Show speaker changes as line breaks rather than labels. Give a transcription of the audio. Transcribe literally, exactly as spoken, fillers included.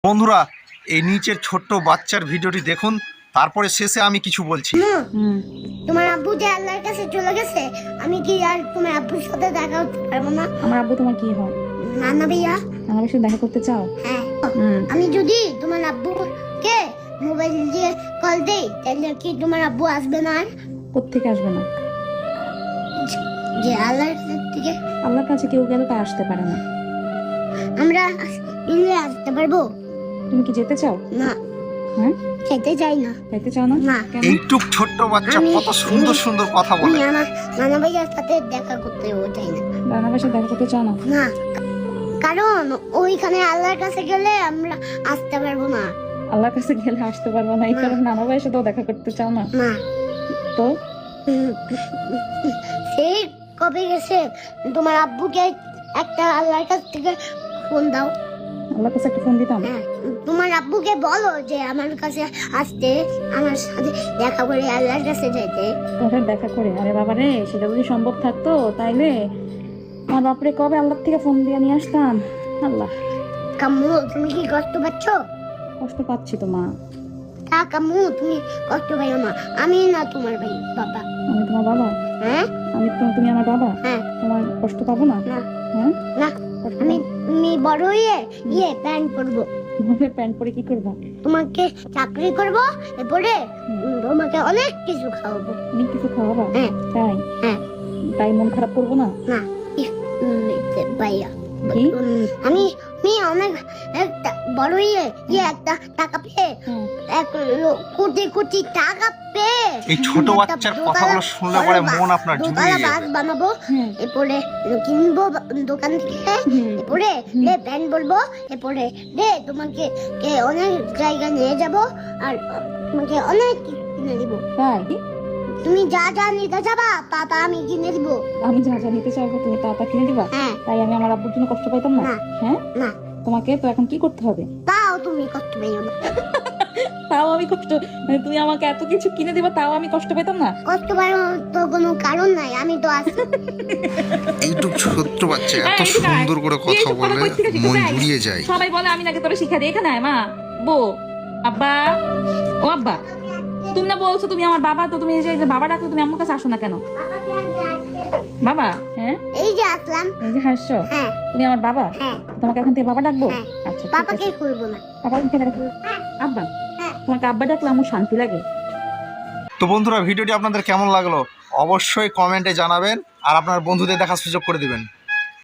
বন্ধুরা এই নিচের ছোট্ট বাচ্চার ভিডিওটি দেখুন, তারপরে শেষে আমি কিছু বলছি।
তোমার আব্বু যে আল্লাহর কাছে চলে গেছে, আমি কি আর তোমার আব্বুর সাথে দেখা করতে পারবো না?
আমার আব্বু তোমার কি হয়?
নানা ভাইয়া।
আমার সাথে দেখা করতে চাও?
হ্যাঁ। আমি যদি তোমার আব্বুকে মোবাইল দিয়ে কল দেই, তাহলে কি তোমার আব্বু আসবে না? আর
কোত্থেকে আসবে না?
যে আল্লাহর থেকে।
আল্লাহর কাছে কেউ গেলে তা আসতে পারে না।
আমরা মিলে আসতে পারবো?
তুমি কি যেতে চাও?
না।
হ্যাঁ,
খেতে চাই না।
যেতে চাও না?
না।
কেন?
এইটুক ছোট্ট বাচ্চা
আমি-
কত সুন্দর সুন্দর কথা
আমি
বলে।
আমার নানা ভাইয়ার সাথে দেখা করতেও চাই না।
রান্না বাসা দেখা করতে চাও না?
না, কারণ ওইখানে আল্লাহর কাছে গেলে আমরা আসতে পারবো না।
আল্লাহর কাছে গেলে আসতে পারবো না, এই
না।
কারণে নানা ভাইয়ের সাথেও দেখা করতে চাও না?
না।
তো
সেই কবে গেছে, তোমার আব্বুকে একটা আল্লাহর কাছ থেকে ফোন দাও।
আল্লাহর কাছে একটা ফোন দিতাম।
হ্যাঁ, তোমার আব্বুকে বলো যে আমার কাছে আসতে, আমার সাথে দেখা করে আল্লাহর কাছে যেতে।
তোমার দেখা করে? আরে বাবা রে, সেটা যদি সম্ভব থাকতো তাইলে আমার বাপরে কবে আল্লাহর থেকে ফোন দিয়ে নিয়ে আসতাম। আল্লাহ,
কাম্মু তুমি কি কষ্ট পাচ্ছ?
কষ্ট পাচ্ছি তো মা।
তা কাম্মু তুমি কষ্ট পাইও না, আমি না তোমার ভাই বাবা।
আমি তোমার বাবা?
হ্যাঁ।
আমি তো, তুমি আমার বাবা?
হ্যাঁ।
তোমার কষ্ট পাবো না?
না।
হ্যাঁ,
না,
কষ্ট
আমি
পাবো?
আমি বড় হয়ে ইয়ে প্যান্ট পরবো,
তোমাকে প্যান্ট পরে কি করবা?
তোমাকে চাকরি করবো, এরপরে উম, তোমাকে অনেক কিছু খাওয়াবো।
তুমি কিছু খাওয়াবা?
হ্যাঁ।
তাই?
হ্যাঁ।
তাই মন খারাপ করবো না?
না, উম, ভাইয়া
কি?
উম, আমি আমি অনেক একটা বড় ইয়ে ইয়ে একটা টাকা পেয়ে,
হ্যাঁ।
এক লো- কোটি কোটি টাকা পেয়ে
এই ছোট
একটা
বাচ্চার
দোতলা-
কথাগুলো শুনলে পরে
বড়
মন
বা-
আপনার
দোতলা
জুড়িয়ে
বাস
যাবে।
বানাবো,
হ্যাঁ।
এরপরে কিনবো বা- দোকান থেকে,
হুম।
এরপরে রে প্যান্ট বলবো, এরপরে রে তোমাকে কে অনেক জায়গায় নিয়ে যাব, আর তোমাকে অনেক কিছু কিনে দিব।
তাই?
তুমি যা যা নিতে যাবা তা তা আমি কিনে দিব।
আমি যা যা নিতে চাইবো তুমি তা তা কিনে দিবা?
হ্যাঁ।
তাই আমি আমার আব্বুর জন্য কষ্ট পাইতাম না?
না।
হ্যাঁ,
না,
তোমাকে তো এখন কি করতে হবে?
তাও তুমি কষ্ট পেও না।
তাও আমি কষ্ট, মানে তুমি আমাকে এত কিছু কিনে দিবা তাও আমি কষ্ট পেতাম না?
কষ্ট পাওয়ার তো কোনো কারণ নাই, আমি তো আছি।
এইটুক ছোট্ট বাচ্চা
হ্যাঁ,
এত
এদিকে আয়।
সুন্দর করে
তুই
কথা
এইসব কথা
বলে
কই থেকে শিখেছিস?
মন
এই,
জুড়িয়ে যায়।
সবাই বলে আমি নাকি তোরা শিক্ষা দিই। এখানে আয় মা, বো, আব্বা, ও আব্বা, তুমি না বলছো তুমি আমার বাবা, তো তুমি এই যে বাবা ডাকলে তুমি আমার কাছে আসো না কেন? বাবা? হ্যাঁ,
এই যে আসলাম।
এই যে হাসছো,
হ্যাঁ।
তুমি আমার বাবা?
হ্যাঁ।
তোমাকে এখন থেকে বাবা ডাকবো?
হ্যাঁ।
আচ্ছা, ঠিক
পাপাকে
আছে।
করবো না।
বাবা কে ডাকবো? আব্বা?
হ্যাঁ।
তোমাকে আব্বা ডাকলে আমার শান্তি লাগে।
তো বন্ধুরা ভিডিওটি আপনাদের কেমন লাগলো অবশ্যই কমেন্টে জানাবেন, আর আপনার বন্ধুদের দেখার সুযোগ করে দিবেন।